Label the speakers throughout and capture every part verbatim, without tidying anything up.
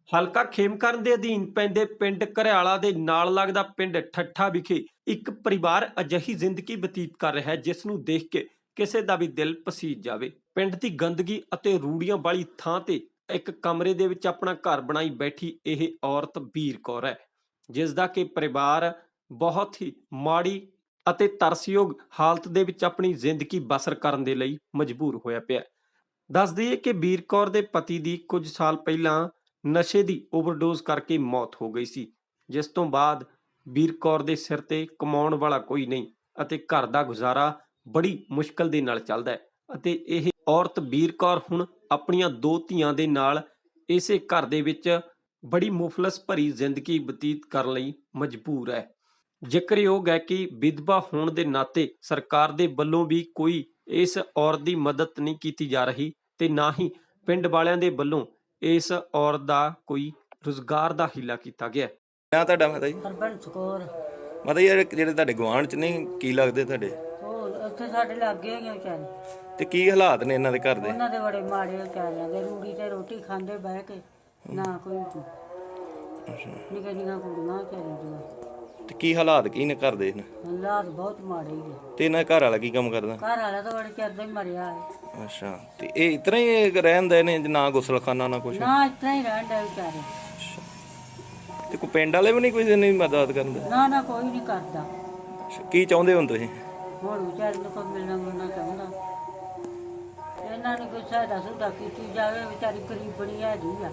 Speaker 1: ਹਲਕਾ ਖੇਮਕਰਨ ਦੇ ਅਧੀਨ ਪੈਂਦੇ ਪਿੰਡ ਘਰਿਆਲਾ ਦੇ ਨਾਲ ਲੱਗਦਾ ਪਿੰਡ ਠੱਠਾ ਵਿਖੇ ਇੱਕ ਪਰਿਵਾਰ ਅਜਿਹੀ ਜ਼ਿੰਦਗੀ ਬਤੀਤ ਕਰ ਰਿਹਾ ਹੈ ਜਿਸ ਨੂੰ ਦੇਖ ਕੇ ਕਿਸੇ ਦਾ ਵੀ ਦਿਲ ਪਸੀਜ ਜਾਵੇ। ਪਿੰਡ ਦੀ ਗੰਦਗੀ ਅਤੇ ਰੂੜੀਆਂ ਵਾਲੀ ਥਾਂ ਤੇ ਇੱਕ ਕਮਰੇ ਦੇ ਵਿੱਚ ਆਪਣਾ ਘਰ ਬਣਾਈ ਬੈਠੀ ਇਹ ਔਰਤ ਵੀਰ ਕੌਰ ਹੈ, ਜਿਸ ਦਾ ਕਿ ਪਰਿਵਾਰ ਬਹੁਤ ਹੀ ਮਾੜੀ ਅਤੇ ਤਰਸਯੋਗ ਹਾਲਤ ਦੇ ਵਿੱਚ ਆਪਣੀ ਜ਼ਿੰਦਗੀ ਬਸਰ ਕਰਨ ਦੇ ਲਈ ਮਜਬੂਰ ਹੋਇਆ ਪਿਆ। ਦੱਸ ਦਈਏ ਕਿ ਵੀਰ ਕੌਰ ਦੇ ਪਤੀ ਦੀ ਕੁਝ ਸਾਲ ਪਹਿਲਾਂ ਨਸ਼ੇ ਦੀ ਓਵਰਡੋਜ਼ ਕਰਕੇ ਮੌਤ ਹੋ ਗਈ ਸੀ, ਜਿਸ ਤੋਂ ਬਾਅਦ ਵੀਰ ਕੌਰ ਦੇ ਸਿਰ ਤੇ ਕਮਾਉਣ ਵਾਲਾ ਕੋਈ ਨਹੀਂ ਅਤੇ ਘਰ ਦਾ ਗੁਜ਼ਾਰਾ ਬੜੀ ਮੁਸ਼ਕਲ ਦੇ ਨਾਲ ਚੱਲਦਾ ਹੈ ਅਤੇ ਇਹ ਔਰਤ ਵੀਰ ਕੌਰ ਹੁਣ ਆਪਣੀਆਂ ਦੋ ਧੀਆਂ ਦੇ ਨਾਲ ਇਸੇ ਘਰ ਦੇ ਵਿੱਚ ਬੜੀ ਮੁਫਲਸ ਭਰੀ ਜ਼ਿੰਦਗੀ ਬਤੀਤ ਕਰਨ ਲਈ ਮਜਬੂਰ ਹੈ। ਜ਼ਿਕਰਯੋਗ ਹੈ ਕਿ ਵਿਧਵਾ ਹੋਣ ਦੇ ਨਾਤੇ ਸਰਕਾਰ ਦੇ ਵੱਲੋਂ ਵੀ ਕੋਈ ਇਸ ਔਰਤ ਦੀ ਮਦਦ ਨਹੀਂ ਕੀਤੀ ਜਾ ਰਹੀ ਤੇ ਨਾ ਹੀ ਪਿੰਡ ਵਾਲਿਆਂ ਦੇ ਵੱਲੋਂ ਇਸ ਔਰਤ ਦਾ ਕੋਈ ਰੁਜ਼ਗਾਰ ਦਾ ਹੀਲਾ ਕੀਤਾ ਗਿਆ।
Speaker 2: ਨਾਂ ਤੁਹਾਡਾ ਮਾਤਾ ਜੀ?
Speaker 3: ਹਰਬੰਸ ਕੌਰ।
Speaker 2: ਮਾਤਾ ਜੀ ਜਿਹੜੇ ਜਿਹੜੇ ਤੁਹਾਡੇ ਗੁਆਂਢ ਚ ਨਹੀਂ ਕੀ ਲੱਗਦੇ ਤੁਹਾਡੇ?
Speaker 3: ਉਹ ਉੱਥੇ ਸਾਡੇ ਲੱਗੇ ਹੈਗੇ ਵਿਚਾਰੇ।
Speaker 2: ਤੇ ਕੀ ਹਾਲਾਤ ਨੇ ਇਹਨਾਂ ਦੇ ਘਰ ਦੇ?
Speaker 3: ਉਹਨਾਂ ਦੇ ਬੜੇ ਮਾੜੇ ਵਿਚਾਰਿਆਂ ਦੇ, ਰੂੜੀ ਤੇ ਰੋਟੀ ਖਾਂਦੇ ਬਹਿ ਕੇ, ਨਾ ਕੋਈ ਨਿੱਕੀਆਂ ਨਿੱਕੀਆਂ ਕੁੜੀਆਂ ਵਿਚਾਰੀਆਂ ਦੀਆਂ।
Speaker 2: ਤੇ ਕੀ ਹਾਲਾਤ ਕੀ ਨੇ ਘਰ ਦੇ?
Speaker 3: ਹਾਲਾਤ ਬਹੁਤ ਮਾੜੇ ਹੀ ਆ।
Speaker 2: ਤੇ ਇਹਨਾਂ ਘਰ ਵਾਲਾ ਕੀ ਕੰਮ ਕਰਦਾ?
Speaker 3: ਘਰ ਵਾਲਾ ਤਾਂ ਬੜੇ ਚਿਰ ਦਾ ਹੀ ਮਰਿਆ ਹੈ।
Speaker 2: ਅੱਛਾ, ਤੇ ਇਹ ਇਤਨਾ ਹੀ ਰਹਿੰਦੇ ਨੇ, ਨਾ ਗੁਸਲਖਾਨਾ ਨਾ ਕੁਛ?
Speaker 3: ਨਾ ਇਤਨਾ ਹੀ ਰਹਿਣ ਦੇ ਵਿਚਾਰੇ।
Speaker 2: ਤੇ ਕੋਈ ਪਿੰਡ ਵਾਲੇ ਵੀ ਨਹੀਂ ਕੋਈ ਨਹੀਂ ਮਦਦ ਕਰਦੇ?
Speaker 3: ਨਾ ਨਾ ਕੋਈ ਨਹੀਂ ਕਰਦਾ।
Speaker 2: ਕੀ ਚਾਹੁੰਦੇ ਹੋ ਤੁਸੀਂ?
Speaker 3: ਹੁਣ ਵਿਚਾਰੇ ਨੂੰ ਕੋਈ ਮਿਲਣਾ ਮਿਲਣਾ ਚਾਹੁੰਦਾ, ਇਹਨਾਂ ਨੂੰ ਕੋਈ ਸਹਾਇਤਾ ਸੁਧਾ ਕੀਤੀ ਜਾਵੇ। ਵਿਚਾਰੀ ਗਰੀਬਣੀ ਹੈਗੀ ਆ।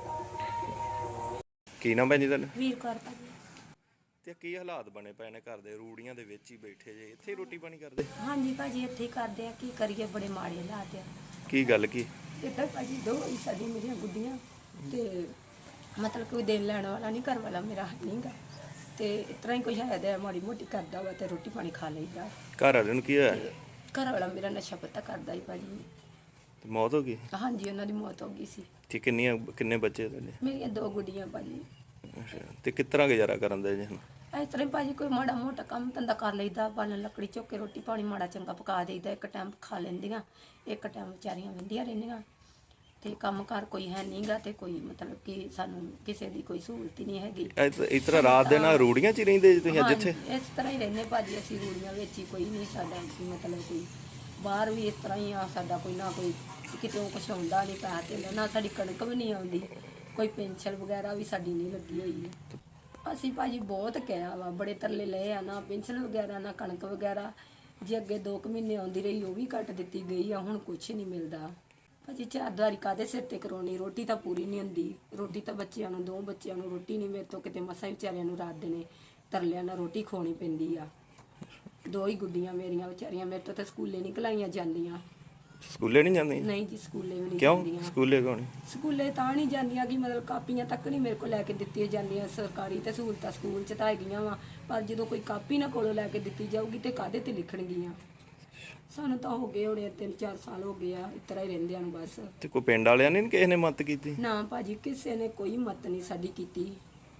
Speaker 2: ਕੀ ਨਾਮ ਭੈਣ ਜੀ ਤੁਹਾਡਾ?
Speaker 4: ਵੀਰ ਕੌਰ ਭਾਜੀ।
Speaker 2: ਤੇ ਕੀ ਹਾਲਾਤ ਬਣੇ ਪਏ ਨੇ ਘਰ ਦੇ? ਰੂੜੀਆਂ ਦੇ ਵਿੱਚ ਹੀ ਬੈਠੇ ਜੇ, ਇੱਥੇ ਰੋਟੀ ਪਾਣੀ ਕਰਦੇ?
Speaker 4: ਹਾਂਜੀ ਭਾਜੀ ਇੱਥੇ ਹੀ ਕਰਦੇ ਆ, ਕੀ ਕਰੀਏ, ਬੜੇ ਮਾੜੇ ਹਾਲਾਤ ਆ।
Speaker 2: ਕੀ ਗੱਲ ਕੀ?
Speaker 4: ਇੱਧਰ ਭਾਜੀ ਦੋ ਹੀ ਸਾਡੀ ਮੇਰੀਆਂ ਗੁੱਡੀਆਂ ਤੇ ਮਤਲਬ ਕੋਈ ਦੇਣ ਲੈਣ ਵਾਲਾ ਨਹੀਂ, ਘਰ ਵਾਲਾ ਮੇਰਾ ਨਹੀਂਗਾ, ਤੇ ਇਸ ਤਰ੍ਹਾਂ ਹੀ ਕੋਈ ਹੈ ਤਾਂ ਮਾੜੀ ਮੋਟੀ ਕਰਦਾ ਵਾ ਤੇ ਰੋਟੀ ਪਾਣੀ ਖਾ ਲਈਦਾ।
Speaker 2: ਘਰ ਵਾਲੇ ਨੂੰ ਕੀ ਹੋਇਆ?
Speaker 4: ਘਰ ਵਾਲਾ ਮੇਰਾ ਨਸ਼ਾ ਪੱਤਾ ਕਰਦਾ ਹੀ ਭਾਜੀ।
Speaker 2: ਤੇ ਮੌਤ ਹੋ ਗਈ?
Speaker 4: ਹਾਂਜੀ ਉਹਨਾਂ ਦੀ ਮੌਤ ਹੋ ਗਈ ਸੀ।
Speaker 2: ਤੇ ਕਿੰਨੀਆਂ ਕਿੰਨੇ ਬੱਚੇ ਤੁਹਾਡੇ?
Speaker 4: ਮੇਰੀਆਂ ਦੋ ਗੁੱਡੀਆਂ ਭਾਜੀ।
Speaker 2: ਅੱਛਾ, ਤੇ ਕਿਸ ਤਰ੍ਹਾਂ ਗੁਜ਼ਾਰਾ ਕਰਨ ਦੇ ਜੀ?
Speaker 4: ਇਸ ਤਰ੍ਹਾਂ ਹੀ ਭਾਜੀ ਕੋਈ ਮਾੜਾ ਮੋਟਾ ਕੰਮ ਧੰਦਾ ਕਰ ਲਈਦਾ, ਬਾਲਣ ਲੱਕੜੀ ਚੁੱਕ ਕੇ ਰੋਟੀ ਪਾਣੀ ਮਾੜਾ ਚੰਗਾ ਪਕਾ ਦੇਈਦਾ। ਇੱਕ ਟਾਈਮ ਖਾ ਲੈਂਦੀਆਂ, ਇੱਕ ਟਾਈਮ ਵਿਚਾਰੀਆਂ ਵੰਦੀਆਂ ਰਹਿੰਦੀਆਂ। ਤੇ ਕੰਮ ਕਾਰ ਕੋਈ ਹੈ ਨਹੀਂਗਾ ਤੇ ਕੋਈ ਮਤਲਬ ਕਿ ਸਾਨੂੰ ਕਿਸੇ ਦੀ ਕੋਈ ਸਹੂਲਤ ਹੀ ਨਹੀਂ ਹੈਗੀ।
Speaker 2: ਇਸ ਤਰ੍ਹਾਂ ਰਾਤ ਦੇ ਨਾਲ ਰੂੜੀਆਂ 'ਚ ਹੀ ਰਹਿੰਦੇ ਜੀ ਤੁਸੀਂ? ਅੱਜ ਇੱਥੇ
Speaker 4: ਇਸ ਤਰ੍ਹਾਂ ਹੀ ਰਹਿੰਦੇ ਭਾਜੀ ਅਸੀਂ, ਰੂੜੀਆਂ ਵਿੱਚ ਹੀ। ਕੋਈ ਨਹੀਂ ਸਾਡਾ ਮਤਲਬ ਕੋਈ ਬਾਹਰ ਵੀ ਇਸ ਤਰ੍ਹਾਂ ਹੀ ਆ। ਸਾਡਾ ਕੋਈ ਨਾ ਕੋਈ ਕਿਤੋਂ ਕੁਛ ਆਉਂਦਾ ਨਹੀਂ, ਪੈਸਾ ਧੇਲਾ ਨਾ, ਸਾਡੀ ਕਣਕ ਵੀ ਨਹੀਂ ਆਉਂਦੀ, ਕੋਈ ਪੈਨਸ਼ਨ ਵਗੈਰਾ ਵੀ ਸਾਡੀ ਨਹੀਂ ਲੱਗੀ ਹੋਈ ਹੈ। ਅਸੀਂ ਭਾਜੀ ਬਹੁਤ ਕਿਹਾ ਵਾ, ਬੜੇ ਤਰਲੇ ਲਏ ਆ, ਨਾ ਪੈਨਸ਼ਨ ਵਗੈਰਾ ਨਾ ਕਣਕ ਵਗੈਰਾ। ਜੇ ਅੱਗੇ ਦੋ ਕੁ ਮਹੀਨੇ ਆਉਂਦੀ ਰਹੀ ਉਹ ਵੀ ਕੱਟ ਦਿੱਤੀ ਗਈ ਆ, ਹੁਣ ਕੁਛ ਨਹੀਂ ਮਿਲਦਾ ਭਾਜੀ। ਚਾਰ ਦਿਹਾੜੀ ਕਾਹਦੇ ਸਿਰ ਤੇ ਕਰਾਉਣੀ? ਰੋਟੀ ਤਾਂ ਪੂਰੀ ਨਹੀਂ ਹੁੰਦੀ। ਰੋਟੀ ਤਾਂ ਬੱਚਿਆਂ ਨੂੰ, ਦੋ ਬੱਚਿਆਂ ਨੂੰ ਰੋਟੀ ਨਹੀਂ, ਮੇਰੇ ਤੋਂ ਕਿਤੇ ਮਸਾਂ ਵਿਚਾਰਿਆਂ ਨੂੰ ਰਾਤ ਦੇ ਨੇ ਤਰਲਿਆਂ ਨਾਲ ਰੋਟੀ ਖਵਾਉਣੀ ਪੈਂਦੀ ਆ। ਦੋ ਹੀ ਗੁੱਡੀਆਂ ਮੇਰੀਆਂ ਵਿਚਾਰੀਆਂ, ਮੇਰੇ ਤੋਂ ਤਾਂ ਸਕੂਲੇ ਨਹੀਂ ਘਲਾਈਆਂ ਜਾਂਦੀਆਂ।
Speaker 2: ਸਕੂਲੇ ਨਹੀਂ ਜਾਂਦੀਆਂ?
Speaker 4: ਨਹੀਂ ਜੀ, ਸਕੂਲੇ ਵੀ ਨਹੀਂ
Speaker 2: ਕਿਉਂ?
Speaker 4: ਜਾਂਦੀਆਂ।
Speaker 2: ਸਕੂਲੇ ਕਿਉਂ ਨਹੀਂ?
Speaker 4: ਸਕੂਲੇ ਤਾਂ ਨਹੀਂ ਜਾਂਦੀਆਂ ਕਿ ਮਤਲਬ ਕਾਪੀਆਂ ਤੱਕ ਨਹੀਂ ਮੇਰੇ ਕੋਲ ਲੈ ਕੇ ਦਿੱਤੀਆਂ ਜਾਂਦੀਆਂ। ਸਰਕਾਰੀ ਤੇ ਸਹੂਲਤਾਂ ਸਕੂਲ 'ਚ ਤਾਂ ਹੈਗੀਆਂ ਵਾ, ਪਰ ਜਦੋਂ ਕੋਈ ਕਾਪੀ ਨਾ ਕੋਲੋਂ ਲੈ ਕੇ ਦਿੱਤੀ ਜਾਊਗੀ ਤੇ ਕਾਹਦੇ ਤੇ ਲਿਖਣਗੀਆਂ? ਸਾਨੂੰ ਤਾਂ ਹੋ ਗਏ ਹੋਣੇ ਤਿੰਨ ਚਾਰ ਸਾਲ ਹੋ ਗਏ ਆ ਇਸ ਤਰ੍ਹਾਂ ਹੀ ਰਹਿੰਦਿਆਂ ਨੂੰ ਬਸ।
Speaker 2: ਤੇ ਕੋਈ ਪਿੰਡ ਵਾਲਿਆਂ ਨੇ ਕਿਸੇ ਨੇ ਮਦਦ ਕੀਤੀ?
Speaker 4: ਨਾ ਭਾਜੀ, ਕਿਸੇ ਨੇ ਕੋਈ ਮਦਦ ਨਹੀਂ ਸਾਡੀ ਕੀਤੀ।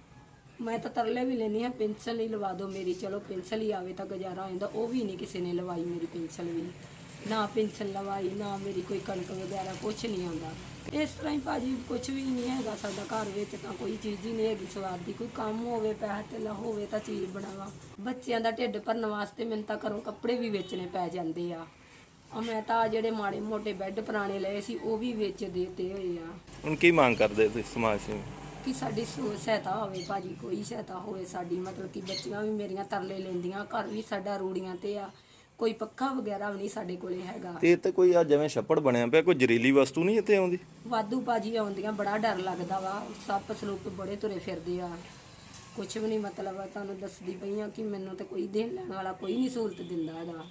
Speaker 4: ਮੈਂ ਤਾਂ ਤਰਲੇ ਵੀ ਲੈਂਦੀ ਹਾਂ, ਪੈਨਸ਼ਨ ਹੀ ਲਵਾ ਦਿਓ ਮੇਰੀ, ਚਲੋ ਪੈਨਸ਼ਨ ਹੀ ਆਵੇ ਤਾਂ ਗੁਜ਼ਾਰਾ ਹੋ ਜਾਂਦਾ। ਉਹ ਵੀ ਨਹੀਂ ਕਿਸੇ ਨੇ ਲਵਾਈ ਮੇਰੀ ਪੈਨਸ਼ਨ ਵੀ, ਨਾ ਪੈਨਸ਼ਨ ਲਵਾਈ, ਨਾ ਮੇਰੀ ਕੋਈ ਕਣਕ ਵਗੈਰਾ ਕੁਛ ਨਹੀਂ ਆਉਂਦਾ। ਇਸ ਤਰ੍ਹਾਂ ਹੀ ਭਾਜੀ ਕੁਛ ਵੀ ਨਹੀਂ ਹੈਗਾ ਸਾਡਾ ਘਰ ਵਿੱਚ, ਤਾਂ ਕੋਈ ਚੀਜ਼ ਹੀ ਨਹੀਂ ਹੈਗੀ ਸਵਾਦ ਦੀ। ਕੋਈ ਕੰਮ ਹੋਵੇ, ਪੈਸਾ ਧੇਲਾ ਹੋਵੇ ਤਾਂ ਚੀਜ਼ ਬਣਾਵਾ। ਬੱਚਿਆਂ ਦਾ ਢਿੱਡ ਭਰਨ ਵਾਸਤੇ ਮੈਨੂੰ ਤਾਂ ਘਰੋਂ ਕੱਪੜੇ ਵੀ ਵੇਚਣੇ ਪੈ ਜਾਂਦੇ ਆ। ਆ ਮੈਂ ਤਾਂ ਜਿਹੜੇ ਮਾੜੇ ਮੋਟੇ ਬੈੱਡ ਪੁਰਾਣੇ ਲਏ ਸੀ ਉਹ ਵੀ ਵੇਚ ਦੇਤੇ ਹੋਏ ਆ।
Speaker 2: ਹੁਣ ਕੀ ਮੰਗ ਕਰਦੇ ਤੁਸੀਂ ਸਮਾਜ ਸੇਵੀ?
Speaker 4: ਕਿ ਸਾਡੀ ਸਹਾਇਤਾ ਹੋਵੇ ਭਾਜੀ, ਕੋਈ ਸਹਾਇਤਾ ਹੋਵੇ ਸਾਡੀ। ਮਤਲਬ ਕਿ ਬੱਚੀਆਂ ਵੀ ਮੇਰੀਆਂ ਤਰਲੇ ਲੈਂਦੀਆਂ, ਘਰ ਵੀ ਸਾਡਾ ਰੂੜੀਆਂ ਤੇ ਆ, ਕੋਈ ਪੱਖਾ ਵਗੈਰਾ ਵੀ ਨਹੀਂ ਸਾਡੇ ਕੋਲੇ ਹੈਗਾ।
Speaker 2: ਤੇ ਇੱਥੇ ਕੋਈ ਆ ਜਿਵੇਂ ਛੱਪੜ ਬਣਿਆ ਪਿਆ, ਕੋਈ ਜ਼ਹਿਰੀਲੀ ਵਸਤੂ ਨਹੀਂ ਇੱਥੇ ਆਉਂਦੀ?
Speaker 4: ਵਾਧੂ ਭਾਜੀ ਆਉਂਦੀਆਂ, ਬੜਾ ਡਰ ਲੱਗਦਾ ਵਾ। ਸੱਪ ਸਲੂਪ ਬੜੇ ਤੁਰੇ ਫਿਰਦੇ ਆ, ਕੁਛ ਵੀ ਨਹੀਂ। ਮਤਲਬ ਤੁਹਾਨੂੰ ਦੱਸਦੀ ਪਈ ਆ ਕਿ ਮੈਨੂੰ ਤੇ ਕੋਈ ਦੇਣ ਲੈਣ ਵਾਲਾ ਕੋਈ ਨਹੀਂ ਸਹੂਲਤ ਦਿੰਦਾ ਹੈਗਾ।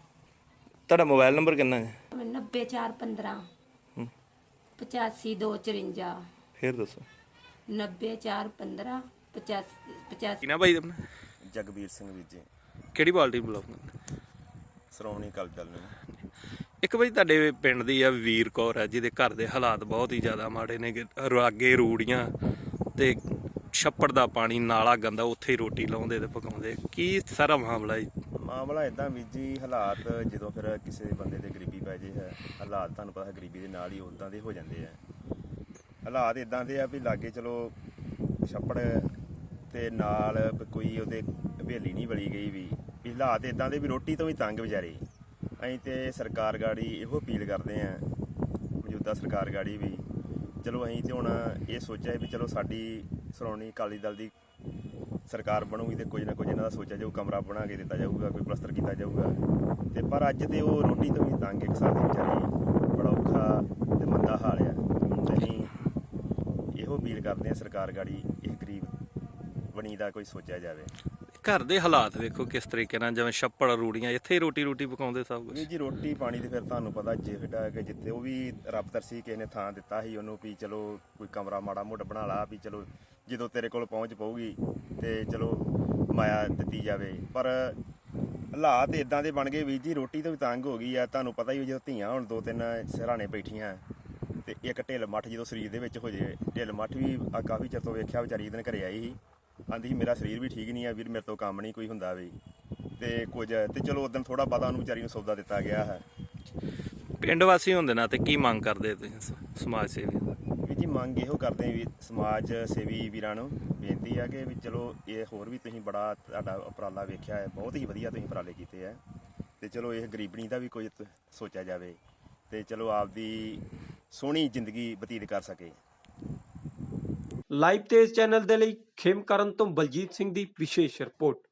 Speaker 2: ਤੁਹਾਡਾ ਮੋਬਾਈਲ ਨੰਬਰ ਕਿੰਨਾ ਹੈ?
Speaker 4: ਨੱਬੇ ਚਾਰ ਪੰਦਰਾਂ ਪਚਾਸੀ ਦੋ ਚੁਰੰਜਾ।
Speaker 2: ਫਿਰ ਦੱਸੋ।
Speaker 4: ਨੱਬੇ ਚਾਰ ਪੰਦਰਾਂ ਪਚਾਸੀ ਪਚਾਸੀ।
Speaker 2: ਕਿਨਾ ਭਾਈ ਆਪਣਾ?
Speaker 5: ਜਗਬੀਰ ਸਿੰਘ ਵੀਰ ਜੀ।
Speaker 2: ਕਿਹੜੀ ਪਾਰਟੀ ਬੁਲਾਉਂਦੇ?
Speaker 5: ਸ਼੍ਰੋਮਣੀ ਅਕਾਲੀ ਦਲ ਨੇ।
Speaker 2: ਇੱਕ ਵਾਰੀ ਤੁਹਾਡੇ ਪਿੰਡ ਦੀ ਆ ਵੀਰ ਕੌਰ ਹੈ, ਜਿਹਦੇ ਘਰ ਦੇ ਹਾਲਾਤ ਬਹੁਤ ਹੀ ਜ਼ਿਆਦਾ ਮਾੜੇ ਨੇ। ਅੱਗੇ ਰੂੜੀਆਂ ਤੇ ਛੱਪੜ ਦਾ ਪਾਣੀ, ਨਾਲਾ ਗੰਦਾ, ਉੱਥੇ ਹੀ ਰੋਟੀ ਲਾਉਂਦੇ ਤੇ ਪਕਾਉਂਦੇ। ਕੀ ਸਾਰਾ ਮਾਮਲਾ ਜੀ?
Speaker 5: ਮਾਮਲਾ ਇੱਦਾਂ ਵੀਰ ਜੀ, ਹਾਲਾਤ ਜਦੋਂ ਫਿਰ ਕਿਸੇ ਬੰਦੇ ਤੇ ਗਰੀਬੀ ਪੈ ਜੇ ਹੈ, ਹਾਲਾਤ ਤੁਹਾਨੂੰ ਪਤਾ ਗਰੀਬੀ ਦੇ ਨਾਲ ਹੀ ਉੱਦਾਂ ਦੇ ਹੋ ਜਾਂਦੇ ਆ। ਹਾਲਾਤ ਇਦਾਂ ਦੇ ਆ ਵੀ ਲਾਗੇ ਚਲੋ ਛੱਪੜ ਤੇ ਨਾਲ ਵੀ ਕੋਈ ਉਹਦੇ ਹਵੇਲੀ ਨਹੀਂ ਵਲੀ ਗਈ ਵੀ ਵੀ ਹਾਲਾਤ ਇਦਾਂ ਦੇ ਵੀ ਰੋਟੀ ਤੋਂ ਵੀ ਤੰਗ ਵਿਚਾਰੇ। ਅਸੀਂ ਤੇ ਸਰਕਾਰ ਗਾੜੀ ਇਹੋ ਅਪੀਲ ਕਰਦੇ ਆ, ਮੌਜੂਦਾ ਸਰਕਾਰ ਗਾੜੀ ਵੀ ਚਲੋ ਅਸੀਂ ਤੇ ਹੁਣ ਇਹ ਸੋਚਿਆ ਵੀ ਚਲੋ ਸਾਡੀ ਸ਼੍ਰੋਮਣੀ ਅਕਾਲੀ ਦਲ ਦੀ ਸਰਕਾਰ ਬਣੂਗੀ ਤੇ ਕੁਝ ਨਾ ਕੁਝ ਇਹਨਾਂ ਦਾ ਸੋਚਿਆ ਜਾਊ, ਕਮਰਾ ਬਣਾ ਕੇ ਦਿੱਤਾ ਜਾਊਗਾ, ਕੋਈ ਪਲਸਤਰ ਕੀਤਾ ਜਾਊਗਾ। ਤੇ ਪਰ ਅੱਜ ਤੇ ਉਹ ਰੋਟੀ ਤੋਂ ਵੀ ਤੰਗ ਇੱਕ ਸਾਲ ਦੀ ਵਿਚਾਰੀ, ਬੜਾ ਔਖਾ ਤੇ ਮੰਦਾ ਹਾਲ ਆ। ਤੇ ਅਸੀਂ ਇਹੋ ਅਪੀਲ ਕਰਦੇ ਆ ਸਰਕਾਰ ਗਾੜੀ ਇਹ ਗਰੀਬ ਬਣੀ ਦਾ ਕੋਈ ਸੋਚਿਆ ਜਾਵੇ।
Speaker 2: ਘਰ ਦੇ ਹਾਲਾਤ ਵੇਖੋ ਕਿਸ ਤਰੀਕੇ ਨਾਲ, ਜਿਵੇਂ ਛੱਪੜ ਰੂੜੀਆਂ, ਇੱਥੇ ਹੀ ਰੋਟੀ ਰੋਟੀ ਪਕਾਉਂਦੇ ਸਭ ਕੁਝ।
Speaker 5: ਵੀਰ ਜੀ ਰੋਟੀ ਪਾਣੀ ਤੇ ਫਿਰ ਤੁਹਾਨੂੰ ਪਤਾ ਜਿਹੜਾ ਕਿ ਜਿੱਥੇ ਉਹ ਵੀ ਰੱਬ ਤਰਸੀ ਕਿਸੇ ਨੇ ਥਾਂ ਦਿੱਤਾ ਸੀ ਉਹਨੂੰ ਵੀ ਚਲੋ ਕੋਈ ਕਮਰਾ ਮਾੜਾ ਮੋਟਾ ਬਣਾ ਲਾ ਵੀ ਚਲੋ ਜਦੋਂ ਤੇਰੇ ਕੋਲ ਪਹੁੰਚ ਪਊਗੀ ਤੇ ਚਲੋ ਮਾਇਆ ਦਿੱਤੀ ਜਾਵੇ। ਪਰ ਹਾਲਾਤ ਇਦਾਂ ਦੇ ਬਣ ਗਏ ਵੀਰ ਜੀ, ਰੋਟੀ ਤੋਂ ਵੀ ਤੰਗ ਹੋ ਗਈ ਆ। ਤੁਹਾਨੂੰ ਪਤਾ ਹੀ ਜਦੋਂ ਧੀਆਂ ਹੁਣ ਦੋ ਤਿੰਨ ਸਿਰਹਾਣੇ ਬੈਠੀਆਂ ਤੇ ਇੱਕ ਢਿੱਲ ਮੱਠ ਜਦੋਂ ਸਰੀਰ ਦੇ ਵਿੱਚ ਹੋ ਜੇ, ਢਿੱਲ ਮੱਠ ਵੀ ਆ ਕਾਫੀ ਚਿਰ ਤੋਂ ਵੇਖਿਆ ਵਿਚਾਰੀ ਦਿਨ ਘਰੇ ਆਈ ਸੀ, ਆਂਦੀ ਸੀ ਮੇਰਾ ਸਰੀਰ ਵੀ ਠੀਕ ਨਹੀਂ ਆ ਵੀਰ, ਮੇਰੇ ਤੋਂ ਕੰਮ ਨਹੀਂ ਕੋਈ ਹੁੰਦਾ ਵੀ ਤੇ ਕੁਝ ਤੇ ਚਲੋ ਉਦੋਂ ਥੋੜਾ ਬਹੁਤਾ ਉਹਨੂੰ ਵਿਚਾਰੀ ਨੂੰ ਸੌਦਾ ਦਿੱਤਾ ਗਿਆ ਹੈ।
Speaker 2: ਪਿੰਡ ਵਾਸੀ ਹੁੰਦੇ ਨਾ ਤੇ ਕੀ ਮੰਗ ਕਰਦੇ ਤੁਸੀਂ ਸ- ਸਮਾਜ ਸੇਵੀ?
Speaker 5: ਵੀ ਜੀ ਮੰਗ ਇਹੋ ਕਰਦੇ ਹਾਂ ਵੀ ਸਮਾਜ ਸੇਵੀ ਵੀਰਾਂ ਨੂੰ ਬੇਨਤੀ ਆ ਕਿ ਵੀ ਚਲੋ ਇਹ ਹੋਰ ਵੀ ਤੁਸੀਂ ਬੜਾ ਤੁਹਾਡਾ ਉਪਰਾਲਾ ਵੇਖਿਆ ਹੈ, ਬਹੁਤ ਹੀ ਵਧੀਆ ਤੁਸੀਂ ਉਪਰਾਲੇ ਕੀਤੇ ਆ ਤੇ ਚਲੋ ਇਹ ਗਰੀਬਣੀ ਦਾ ਵੀ ਕੁਝ ਤ- ਸੋਚਿਆ ਜਾਵੇ ਤੇ ਚਲੋ ਆਪਦੀ ਸੋਹਣੀ ਜ਼ਿੰਦਗੀ ਬਤੀਤ ਕਰ ਸਕੇ।
Speaker 1: ਲਾਈਵ ਤੇਜ਼ ਚੈਨਲ ਦੇ ਲਈ ਖੇਮਕਰਨ ਤੋਂ ਬਲਜੀਤ ਸਿੰਘ ਦੀ ਵਿਸ਼ੇਸ਼ ਰਿਪੋਰਟ।